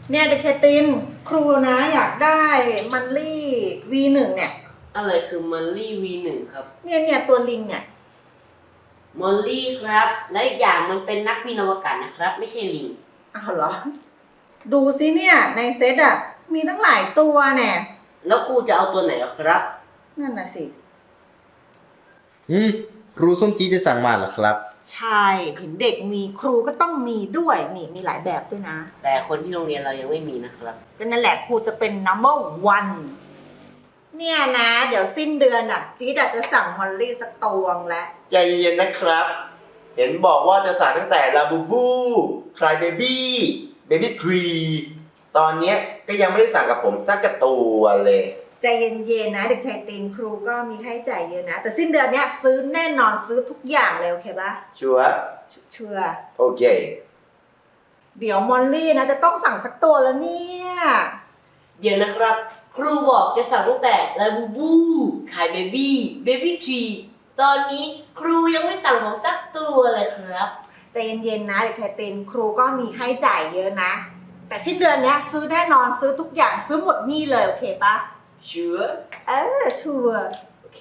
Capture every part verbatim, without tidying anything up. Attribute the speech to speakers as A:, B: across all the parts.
A: เนี่ยเด็กชายตินครูนะอยากได้มันลี่ วี หนึ่ง เนี่ย
B: อะไรคือมอลลี่ วี หนึ่ง ครับ
A: เนี่ยเนี่ยตัวลิงเนี่ย
B: มอลลี่ครับและอีกอย่างมันเป็นนักบินอวกาศนะครับไม่ใช่ลิง
A: อ้าวเหรอดูซิเนี่ยในเซตอ่ะมีตั้งหลายตัวเนี่ย
B: แล้วครูจะเอาตัวไหนครับ
A: นั่นน่ะสิ
C: อืมครูส้มจีจะสั่งมาเหรอครับ
A: ใช่เห็นเด็กมีครูก็ต้องมีด้วยนี่มีหลายแบบด้วยนะ
B: แต่คนที่โรงเรียนเรายังไม่มีนะครับ
A: ก็นั่นแหละครูจะเป็น นัมเบอร์ วัน เนี่ยนะเดี๋ยวสิ้นเดือนอ่ะจี๊ดจะสั่งมอลลี่สักตวงแล้ว
D: ใจเย็นๆนะครับเห็นบอกว่าจะสั่งตั้งแต่ลาบูบูคลายเบบี้เบบี้ทรีตอนนี้ก็ยังไม่ได้สั่งกับผมสักกระตัวเลย
A: ใจเย็นๆนะเด็กชายตีนครูก็มีค่าใช้จ่ายเยอะนะแต่สิ้นเดือนเนี้ยซื้อแน่นอนซื้อทุกอย่างเลยโอเคปะ
D: ชัวร์
A: ชัวร์
D: โอเค
A: เดี๋ยวมอลลี่นะจะต้องสั่งสักตัวแล้วเนี่ย
B: เดี๋ยวนะครับครูบอกจะสั่งตั้งแต่ลาบูบูขายเบบี้เบบี้ทรีตอนนี้ครูยังไม่สั่งผมสักตัวเลยครับ
A: ใจเย็นๆนะเด็กชายตีนครูก็มีค่าใช้จ่ายเยอะนะแต่สิ้นเดือนเนี้ยซื้อแน่นอนซื้อทุกอย่างซื้อหมดนี่เลยโอเคปะ
B: ชัวร์
A: เออชัวร์
B: โอเค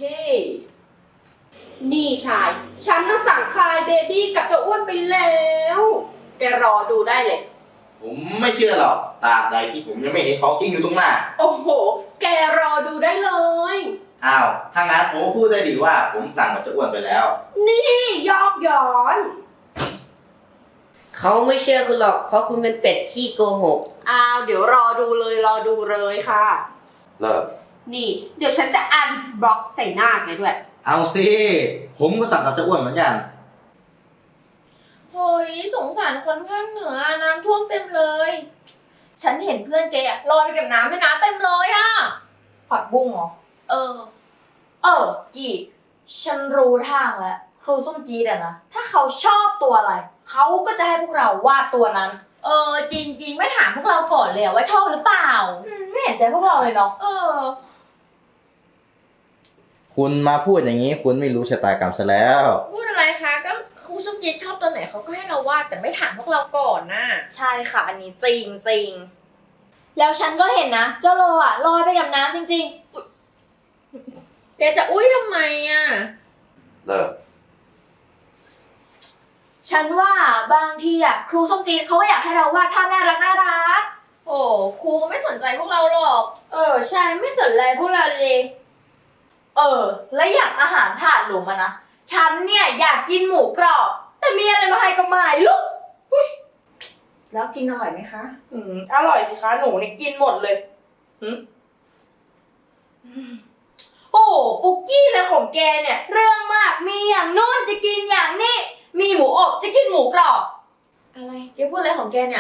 E: นี่ชายฉันจะสั่งคลายเบบี้กับเจ้าอ้วนไปแล้วแกรอดูได้เลย
C: ผมไม่เชื่อหรอกตราบใดที่ผมยังไม่เห็นของจริงอยู่ตรงหน้า
E: โอ้โหแกรอดูได้เลย
C: อ้าวถ้างั้นผมพูดได้ดีว่าผมสั่งกับเจ้าอ้วนไปแล้ว
E: นี่ยอกย้อน
B: เขาไม่เชื่อคุณหรอกเพราะคุณเป็นเป็ดขี้โกหก
E: อ้าวเดี๋ยวรอดูเลยรอดูเลยค่ะ
D: เลิก
E: นี่เดี๋ยวฉันจะอันบล็อกใส่หน้าแกด้วย
C: เอาสิผมก็สั่งกับเจ้าอ้วนเหมือนกัน
F: โฮ้ยสงสารคนภาคเหนือน้ำท่วมเต็มเลยฉันเห็นเพื่อนแกลอยไปกับน้ำแม่น้ำเต็มเลยอะ
E: ผักบุ้งเหรอ
F: เออ
E: เออกี่ฉันรู้ทางแล้วครูส้มจีดอะนะถ้าเขาชอบตัวอะไรเขาก็จะให้พวกเราวาดตัวนั้น
F: เออจริงๆไม่ถามพวกเราก่อนเลยว่าชอบหรือเปล่า
E: ไม่เห็นใจพวกเราเลยเนาะ
F: เออ
C: คุณมาพูดอย่างนี้คุณไม่รู้ชะตากรรมซะแล้ว
F: พูดอะไรคะก็ครูส้มจีดชอบตัวไหนเขาก็ให้เราวาดแต่ไม่ถามพวกเราก่อนน่ะ
E: ใช่ค่ะอันนี้จริงจริง
F: แล้วฉันก็เห็นนะเจ้าโลอะลอยไปกับน้ำจริงๆแกจะอุ้ยทำไมอะ
D: เลิก
F: ฉันว่าบางทีอ่ะครูส้มจีนเขาก็อยากให้เราวาดภาพน่ารักน่ารักโอ้ครูก็ไม่สนใจพวกเราหรอก
E: เออใช่ไม่สนใจพวกเราเลยเออแล้วอย่างอาหารถาดหลุมอะนะฉันเนี่ยอยากกินหมูกรอบแต่มีอะไรมาให้ก็ไม่รู้
A: แล้วกินอร่อยไหมคะ
E: อืมอร่อยสิคะหนูเนี่ยกินหมดเลยอืมโอ้ปุกกี้เลยของแกเนี่ยเรื่องมากมีอย่างโน้นจะกินอย่างนี้มีหมูอบจะกินหมูกรอบ
F: อะไรแกพูดอะไรของแกเนี่ย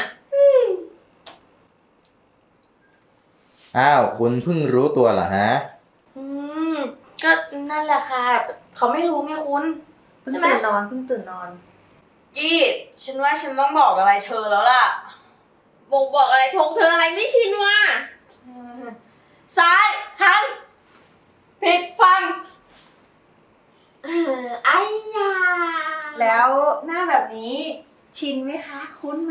C: อ้าวคุณเพิ่งรู้ตัวเหรอฮะ
E: อืมก็นั่นแหละค่ะเขาไม่รู้ไงคุณ
A: เพิ่งตื่นนอนเพิ่งตื่นนอน
E: กี้ฉันว่าฉันต้องบอกอะไรเธอแล้วล่ะ
F: บ่งบอกอะไรทงเธออะไรไม่ชินว่ะ
E: ซ้ายหันผิดฟัง
F: เออไอ้ยา
A: แล้วหน้าแบบนี้ชินไหมคะคุ้นไหม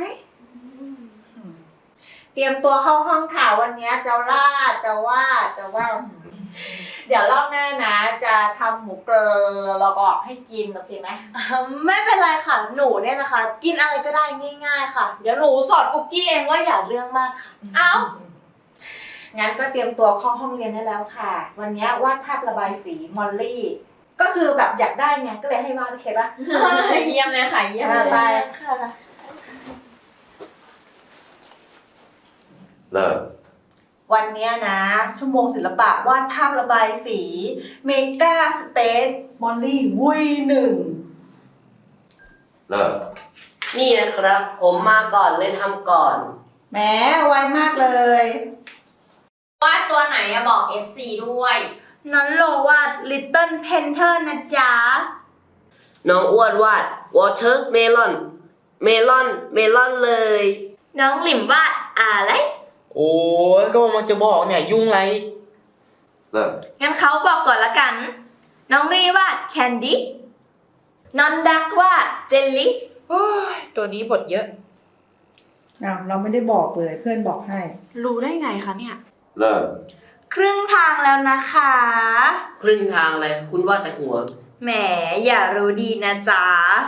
A: เตรียมตัวเข้าห้องข่าววันนี้จะล่าจะว่าจะว่าเดี๋ยวรอบหน้านะจะทำหมูเกลือแล้วก็ให้กินโอเคไหม
E: ไม่เป็นไรค่ะหนูเนี่ยนะคะกินอะไรก็ได้ง่ายๆค่ะเดี๋ยวหนูสอนปุกกี้เองว่าอย่าเรื่องมากค่ะ
F: เอ้า
A: งั้นก็เตรียมตัวเข้าห้องเรียนได้แล้วค่ะวันนี้วาดภาพระบายสีมอลลี่ก็คือแบบอยากได้ไงก็เลยให้วาดโอเคปะ
F: เยี่ยมเลยค่ะเยี่ยมเลย
A: ไป
E: ค่ะ
D: เลิก
A: วันนี้นะชั่วโมงศิลปะวาดภาพระบายสีเมกาสเปซมอลลี่วีหนึ่ง
D: เลิก
B: นี่นะครับผมมาก่อนเลยทำก่อน
A: แหมไวมากเลยว
F: าดตัวไหนอะบอก เอฟ ซี ด้วย
E: น้องโลวาด Little Panther นะจ๊ะ
B: น้องอ้วนวาด Watermelon เมลอนเมลอนเลย
F: น้องหลิมวาดอะไร
C: โอ้ยก็มันจะบอกเนี่ยยุ่งไร
D: เลิก
F: งั้นเขาบอกก่อนละกันน้องรีวาด Candy น้องดักวาด Jelly
E: โอ้ยตัวนี้บทเยอะ
A: อ้าวเราไม่ได้บอกเลยเพื่อนบอกให้
E: รู้ได้ไงคะเนี่ย
D: เริ่ม
E: ครึ่งทางแล้วนะคะ
B: ครึ่งทางเลยคุณว่าแต่หัว
E: แหมอย่ารู้ดีนะจ๊ะ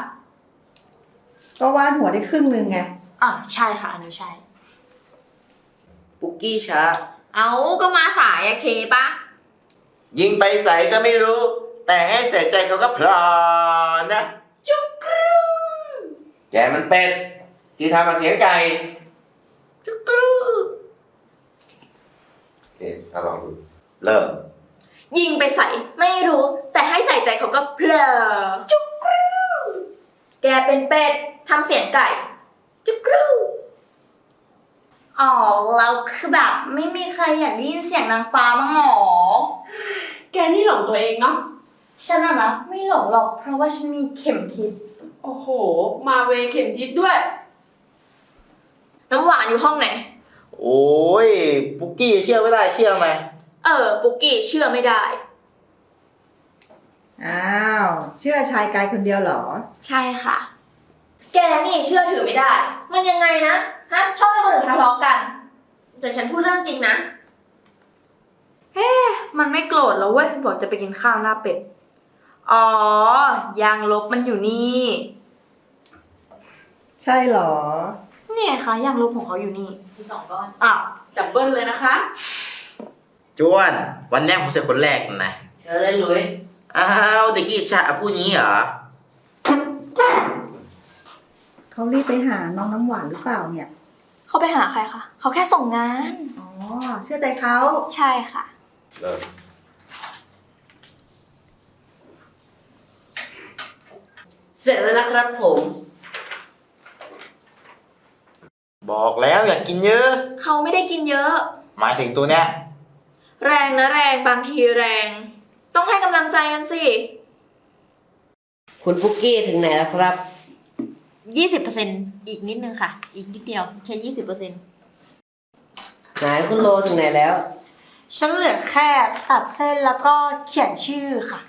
A: ก็วาดหัวได้ครึ่งหนึงไง
E: อ่ะใช่ค่ะ อันนี้ใช่
B: ปุกกี้ช้า
F: เอาก็มาสายอะเคปะ
D: ยิงไปใส่ก็ไม่รู้ แต่ให้ใส่ใจเขาก็พลอนะ
F: จุกกรู
D: แกมันเป็ด ที่ทำมาเสียงไก่
B: จุกรู
D: เอ๊ะเอาลองดู เริ่ม
F: ยิงไปใส่ไม่รู้ แต่ให้ใส่ใจเขาก็เพลอจุกกรูแกเป็นเป็ดทำเสียงไก่ จุกกรู
E: อ๋อเราคือแบบไม่มีใครอยากได้ยินเสียงนางฟ้ามั้งหรอ
G: แกนี่หลงตัวเองเนาะ
E: ฉันอะนะไม่หลงหรอกเพราะว่าฉันมีเข็มทิศ
G: โอ้โห มาเวเข็มทิศด้วย
F: น้ำหวานอยู่ห้องไหน
H: โอ้ย ปุกกี้เชื่อไม่ได้เชื่อไหม
F: เออ ปุกกี้เชื่อไม่ได้
A: อ้าว เชื่อชายกายคนเดียวเหรอ
F: ใช่ค่ะ แกนี่เชื่อถือไม่ได้ มันยังไงนะ ฮะ ชอบให้คนอื่นทะเลาะกัน แต่ฉันพูดเรื่องจริงนะ
E: มันไม่โกรธแล้วเว้ยบอกจะไปกินข้าวหน้าเป็ด อ๋อยางลบมันอยู่นี่
A: ใช่เหรอ
E: เนี่ยคะยางลบของเขาอยู่นี่
F: มีสองก้อน
E: อ้าว
G: ดับเบิลเลยนะคะ
H: จวน วันแรกผมเสียคนแรกนะ
B: เธอเลยหลุย
H: อ้าวเด็กขี้ชาพูดงี้เหรอ
A: เขารีบไปหาน้องน้ำหวานหรือเปล่าเนี่ย
F: เขาไปหาใครคะ เขาแค่ส่งงาน
A: อ๋อ เชื่อใจเขา
F: ใช่ค่ะ
D: เริ่ม
B: เสร็จแล้วนะครับผม
H: บอกแล้วอย่ากกินเยอะ
F: เขาไม่ได้กินเยอะ
H: หมายถึงตัวเนี้ย
F: แรงนะแรงบางทีแรง ต้องให้กำลังใจกันสิ
B: คุณปุกกี้ถึงไหนแล้วครับ
F: ยี่สิบเปอร์เซ็นต์อีกนิดนึงค่ะ อีกนิดเดียวแค่ยี่สิบเปอร์เซ็นต์
B: ไหนคุณโลถึงไหนแล้ว
E: ฉันเหลือแค่ตัดเส้นแล้วก็เขียนชื่อค่ะ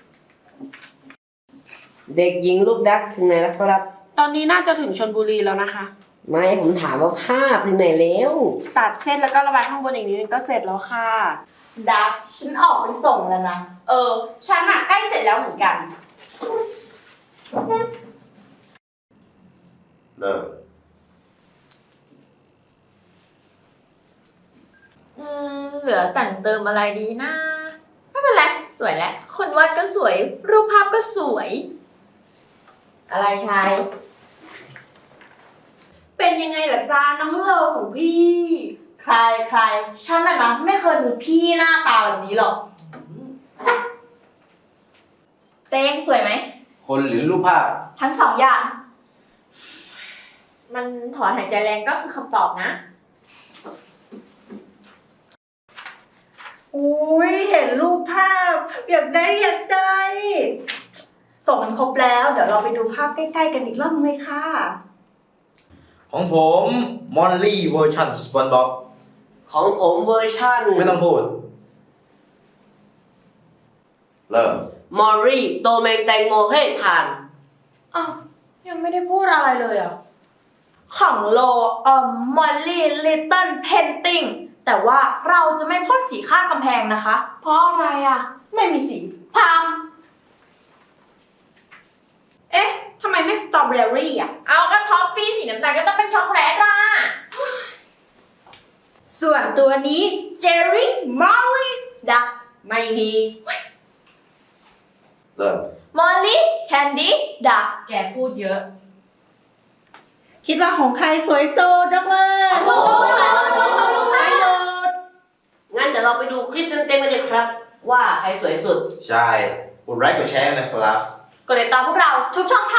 B: เด็กหญิงลูกดักถึงไหนแล้วครับ
G: ตอนนี้น่าจะถึงชลบุรีแล้วนะคะ
B: ไม่ผมถามว่าภาพถึงไหนแล้ว
G: ตัดเส้นแล้วก็ระบายข้างบนอีกนิดนึงก็เสร็จแล้วค่ะ
E: ดักฉันออกไปส่งแล้วนะ
G: เออ ฉันอะใกล้เสร็จแล้วเหมือนกัน
D: เริ่ม
F: อืมเหลือแต่งเติมอะไรดีนะ ไม่เป็นไร สวยแล้ว คนวาดก็สวย รูปภาพก็สวย อะไรชาย
G: เป็นยังไงล่ะจ้าน้องโลของพี่
E: ใครใครฉันอะนะไม่เคยมีพี่หน้าตาแบบนี้หรอก
F: เต้งสวยไหม
H: คนหรือรูปภาพ
F: ทั้งสองอย่าง มันถอนหายใจแรงก็คือคำตอบนะ
A: อุ้ยเห็นรูปภาพ อยากได้อยากได้ ส่งมันครบแล้ว เดี๋ยวเราไปดูภาพใกล้ๆกันอีกรอบนึงเลยค่ะ
H: ของผมมอลลี่เวอร์ชันสปอนบ็อก
B: ของผมเวอร์ชัน
H: ไม่ต้องพูด
D: เริ่ม
B: มอรี่โตเมงแตงโมเฮ้ยผ่าน
E: อ้าวยังไม่ได้พูดอะไรเลยอ่ะ ของโลเอ่อมอลลี่ลิตเติ้ลเพนติ้งแต่ว่าเราจะไม่พ่นสีข้างกำแพงนะคะ
F: เพราะอะไรอ่ะ
E: ไม่มีสีพาม
G: เอ๊ะทำไมไม่สตรอเบอรี่อ่ะ
F: เอาก็ท็อฟฟี่สีน้ำตาลก็ต้องเป็นช็อกโกแลตล่ะ
G: ส่วนตัวนี้เจอรี่มอลลี่
F: ดัก
G: ไม่มี
D: เริ่ม
F: มอลลี่ แคนดี้ ดัก
E: แกพูดเยอะ
A: คิดว่าของใครสวยสุดยกมือ
F: โอ้โห
A: ใครหยุด
B: งั้นเดี๋ยวเราไปดูคลิปเต็มๆกันเลยครับ ว่าใครสวยสุด
H: ใช่ กดไลค์กดแชร์นะครับ
F: กดติดตามพวกเราทุกช่องท